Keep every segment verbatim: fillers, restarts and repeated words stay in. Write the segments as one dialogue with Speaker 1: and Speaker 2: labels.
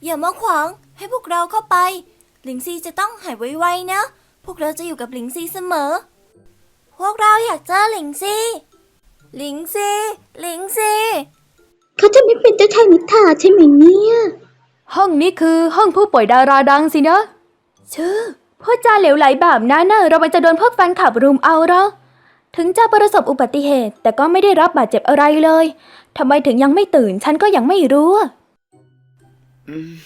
Speaker 1: อย่ามาขวางให้พวกเราเข้าไปหลิงซีจะต้องหายไวๆนะพวกเราจะอยู่กับหลิงซีเสมอพวกเราอยากเจอหลิงซีหลิงซีหลิงซี
Speaker 2: เขาจะไม่เป็นเจ้าชายนิทราใช่ไหมเนี่ย
Speaker 3: ห้องนี้คือห้องผู้ป่วยดาราดังสินะชื่อพูดจาเหลวไหลแบบนั้นน่ะเราไปจะโดนพวกแฟนคลับรุมเอาหรอถึงจะประสบอุบัติเหตุแต่ก็ไม่ได้รับบาดเจ็บอะไรเลยทำไมถึงยังไม่ตื่นฉันก็ยังไม่รู้
Speaker 4: อืม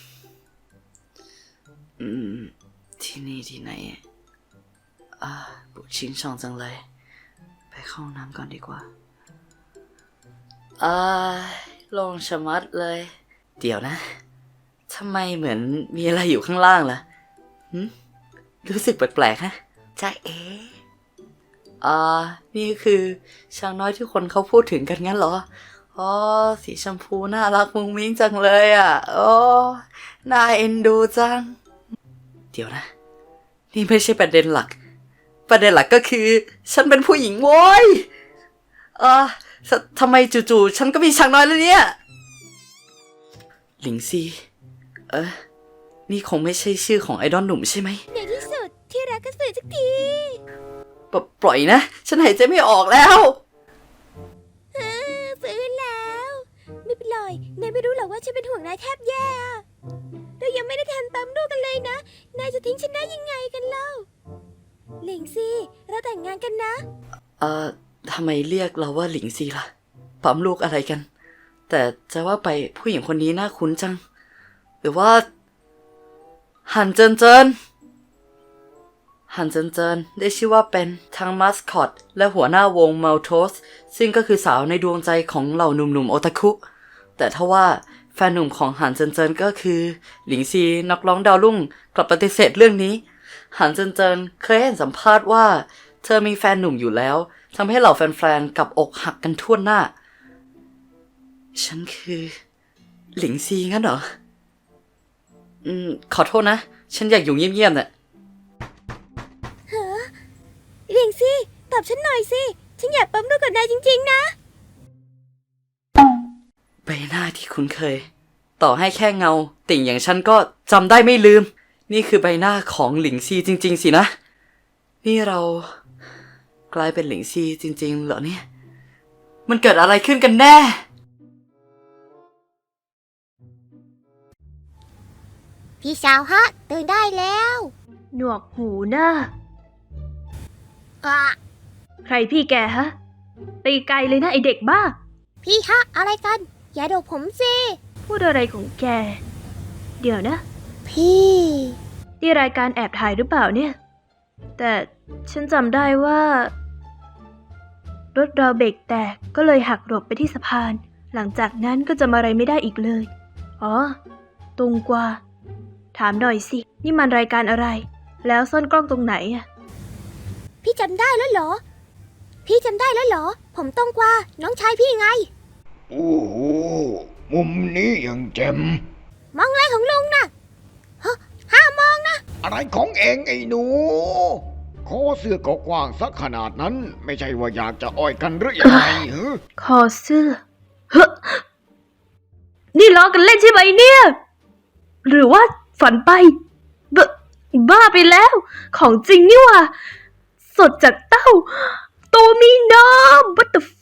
Speaker 4: อืมที่นี่ที่ไหนอ่าปวดชิงช่องจังเลยไปเข้าห้องน้ำก่อนดีกว่าอ่าโล่งชะมัดเลยเดี๋ยวนะทำไมเหมือนมีอะไรอยู่ข้างล่างล่ะหึรู้สึกแปลกๆฮะจ้าเอ๋อ่านี่คือช้างน้อยที่คนเขาพูดถึงกันงั้นเหรออ๋อสีชมพูน่ารักมุ้งมิ้งจังเลยอ่ะโอ้น่าเอ็นดูจังเดี๋ยวนะนี่ไม่ใช่ประเด็นหลักประเด็นหลักก็คือฉันเป็นผู้หญิงโว้ยอ่าทำไมจู่ๆฉันก็มีช้างน้อยแล้วเนี่ยหลิงซีเออนี่คงไม่ใช่ชื่อของไอดอลหนุ่มใช่ไหม
Speaker 1: ในที่สุดที่รักก็สื่อสักที
Speaker 4: ปปล่อยนะฉันหายใจไม่ออกแล้ว
Speaker 1: ฟื้นแล้วไม่เป็นไรนายไม่รู้หรอกว่าฉันเป็นห่วงนายแทบแย่เรายังไม่ได้ทันปั๊มลูกกันเลยนะนายจะทิ้งฉันได้ยังไงกันเล่าหลิงซีเราแต่งงานกันนะ
Speaker 4: เอ่อทำไมเรียกเราว่าหลิงซีล่ะปั๊มลูกอะไรกันแต่จะว่าไปผู้หญิงคนนี้น่าคุ้นจังหรือว่าหันเจินเจินหันเจินเจินได้ชื่อว่าเป็นทั้งมาสคอตและหัวหน้าวงมัลโทสซึ่งก็คือสาวในดวงใจของเหล่าหนุ่มๆโอตาคุแต่ถ้าว่าแฟนหนุ่มของหันเจินเจินก็คือหลิงซีนักร้องดาวรุ่งกลับปฏิเสธเรื่องนี้หันเจินเจินเคยเห็นสัมภาษณ์ว่าเธอมีแฟนหนุ่มอยู่แล้วทำให้เหล่าแฟนๆกับอกหักกันทั่วหน้าฉันคือหลิงซีงั้นเหรออืมขอโทษนะฉันอยากอยู่เงียบๆน่ะ
Speaker 1: ฮะหลิงซีตอบฉันหน่อยสิฉันอยากปั๊มลูกกับนายจริงๆนะ
Speaker 4: ใบหน้าที่คุ้นเคยต่อให้แค่เงาติ่งอย่างฉันก็จำได้ไม่ลืมนี่คือใบหน้าของหลิงซีจริงๆสินะนี่เรากลายเป็นหลิงซีจริงๆเหรอเนี่ยมันเกิดอะไรขึ้นกันแน่
Speaker 1: พี่สาวฮะตื่นได้แล้ว
Speaker 3: หนวกหูนะ
Speaker 1: อะ
Speaker 3: ใครพี่แกฮะตีไกลเลยนะไอเด็กบ้า
Speaker 1: พี่ฮะอะไรกันอย่าโดดผมสิ
Speaker 3: พูดอะไรของแกเดี๋ยวนะ
Speaker 1: พี่
Speaker 3: ที่รายการแอบถ่ายหรือเปล่าเนี่ยแต่ฉันจำได้ว่ารถเราเบรกแตกก็เลยหักหลบไปที่สะพานหลังจากนั้นก็จำอะไรไม่ได้อีกเลยอ๋อตรงกว่าถามหน่อยสินี่มันรายการอะไรแล้วซ่อนกล้องตรงไหนอะ
Speaker 1: พี่จำได้แล้วเหรอพี่จำได้แล้วเหรอผมตรงกว่าน้องชายพี่ไง
Speaker 5: โอ้โหมุมนี้ยังแจ่ม
Speaker 1: มองอะไรของลุงน่ะฮะห้ามองนะ
Speaker 5: อะไรของเองไอ้หนูคอเสื้อก็กว้างสักขนาดนั้นไม่ใช่ว่าอยากจะอ้อยกันหรือยังไงเหรอ
Speaker 3: คอเสื้อเฮ้นี่ล้อกันเล่นใช่ไหมเนี่ยหรือว่าฝันไปบบ้าไปแล้วของจริงนี่ว่ะสดจากเต้าโตมีน้ำ what the